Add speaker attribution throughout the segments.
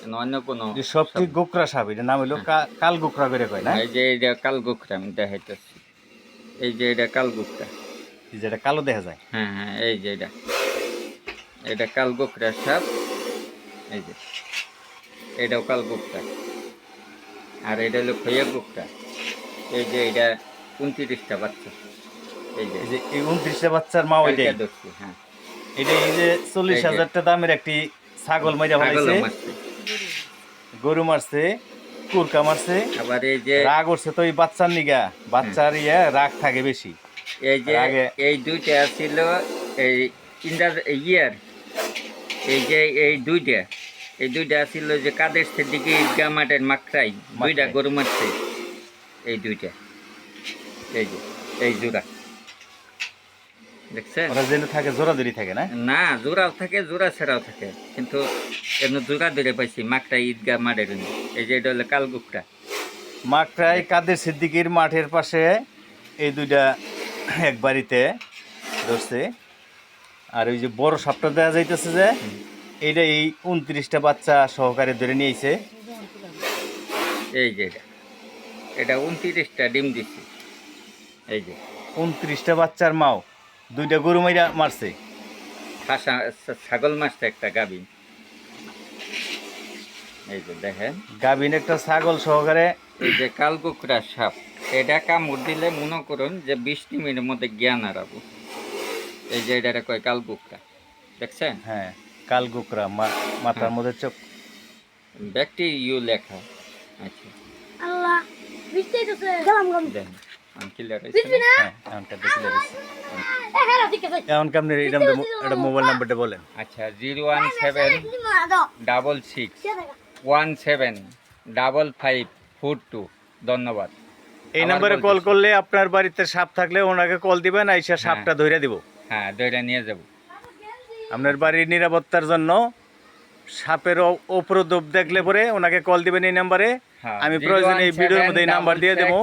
Speaker 1: অন্য কোনো
Speaker 2: সবটি গোকরা সাপ, এটার নাম হলো কাল গোকরা করে কয় না?
Speaker 1: এই যে এটা কাল গোকরা আমি দেখাইতেছি। এই যে এটা কাল গোকরা,
Speaker 2: যেটা কালো দেখা যায়।
Speaker 1: হ্যাঁ হ্যাঁ, এই যে এটা কাল গোকরা সাপ। এই যে এটাও কাল গোকরা, আর এটা হলো খৈয়া গোকরা। এই যে এটা 29টা বাচ্চা। এই যে
Speaker 2: এই 29টা বাচ্চার মা ওইটাই
Speaker 1: ধরছি। হ্যাঁ,
Speaker 2: এটা এই যে 40,000 দামের একটি ছাগল মাইরা ফেলাইছে, গরু মারছে, কুরকা মারছে,
Speaker 1: আবার এই যে
Speaker 2: রাগ উঠছে তো এই বাচ্চার নিগা, বাচ্চার রাগ থাকে বেশি।
Speaker 1: এই যে এই দুইটা ছিল এই ইয়ার, এই যে এই দুইটা ছিল যে কাদের দিকে ঈদগাহ মাঠের মাকড়াই দুইটা গরু মারছে। এই দুইটা, এই যে এই জোড়া দেখছেন?
Speaker 2: ওরা যেন থাকে জোড়া ধরি থাকে না?
Speaker 1: না, জোড়াও থাকে, জোড়া ছাড়াও থাকে, কিন্তু এমনি জোড়া ধরে পাইছি মাকড়াই ঈদগাহ মাঠের। এই যে এটা হলো কালগুকটা।
Speaker 2: মাকড়াই কাদের সিদ্দিকির মাঠের পাশে এই দুইটা এক বাড়িতে ধরছে। আর ওই যে বড় সাপটা দেখা যাইতেছে যে এইটা এই 29টা বাচ্চা সহকারে ধরে নিয়েছে।
Speaker 1: এই যে এটা 29টা ডিম দিচ্ছে। এই যে
Speaker 2: 29টা বাচ্চার মাও দুইটা গরু মাইরা মারছে,
Speaker 1: ছাগল মারছে একটা গাভিন। এই যে দেখেন,
Speaker 2: গাভিন একটা ছাগল সহকারে।
Speaker 1: এই যে কালকুকরা সাপ, এটা কামড় দিলে মনে করুন যে 20 মিনিটের মধ্যে জ্ঞান হারাবো। এই যে এটা কয় কালকুকরা, দেখছেন?
Speaker 2: হ্যাঁ, কালকুকরা, মাথার মধ্যে চোখ
Speaker 1: ব্যক্তি ইউ লেখা। আচ্ছা,
Speaker 3: আল্লাহ বিস্তারিত আছে গেলাম
Speaker 1: দেখেন ক্লিয়ার আছে।
Speaker 2: হ্যাঁ, এমনটা দেখলে এমন কামনে এটা মোবাইল নাম্বারটা বলেন।
Speaker 1: আচ্ছা, 01766175542। ধন্যবাদ।
Speaker 2: এই নম্বরে কল করলে আপনার বাড়িতে সাপ থাকলে ওনাকে কল দিবেন, আইসা সাপটা ধইরা দিব।
Speaker 1: হ্যাঁ, ধইরা নিয়ে যাব।
Speaker 2: আপনার বাড়ির নিরাপত্তার জন্য সাপের উপদ্রব দেখলে পরে ওনাকে কল দিবেন এই নাম্বারে। আমি প্রয়োজনে এই ভিডিওর মধ্যে এই নাম্বার দিয়ে দেবো,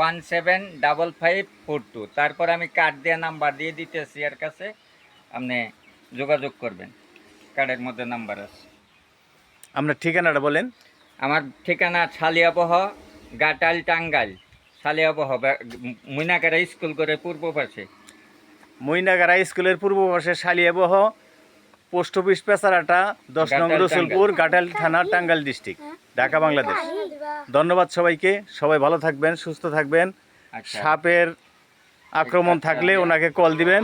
Speaker 1: 175542। তারপর আমি কার্ড দিয়ে নাম্বার দিয়ে দিতেছি, এর কাছে আপনি যোগাযোগ করবেন। কার্ডের মধ্যে নাম্বার আছে।
Speaker 2: আপনার ঠিকানাটা বলেন।
Speaker 1: আমার ঠিকানা সালিয়াবহ, গাটাল, টাঙ্গাইল। সালিয়াবহ মইনাকারা স্কুল করে পূর্ব পাশে।
Speaker 2: মইনাগারা স্কুলের পূর্ব পাশে সালিয়াবহ, পোস্ট অফিস পেছারাটা 10 নং রসুলপুর, গাটাল থানা, টাঙ্গাইল ডিস্ট্রিক্ট, ঢাকা, বাংলাদেশ। ধন্যবাদ সবাইকে। সবাই ভালো থাকবেন, সুস্থ থাকবেন। সাপের আক্রমণ থাকলে ওনাকে কল দিবেন।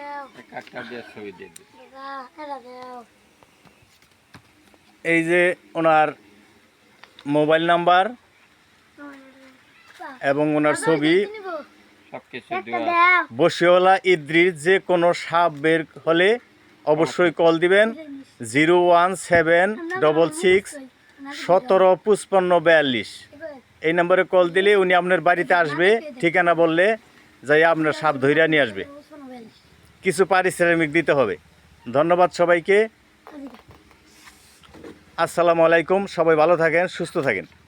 Speaker 2: এই যে ওনার মোবাইল নাম্বার এবং ওনার ছবি, বসিওয়ালা ইদ্রিস। যে কোনো সাপ বের হলে অবশ্যই কল দিবেন 01766175542। এই নম্বরে কল দিলে উনি আপনার বাড়িতে আসবে, ঠিকানা বললে যাই আপনার সাপ ধইরা নিয়ে আসবে। কিছু পারিশ্রমিক দিতে হবে। ধন্যবাদ সবাইকে। আসসালামু আলাইকুম। সবাই ভালো থাকেন, সুস্থ থাকেন।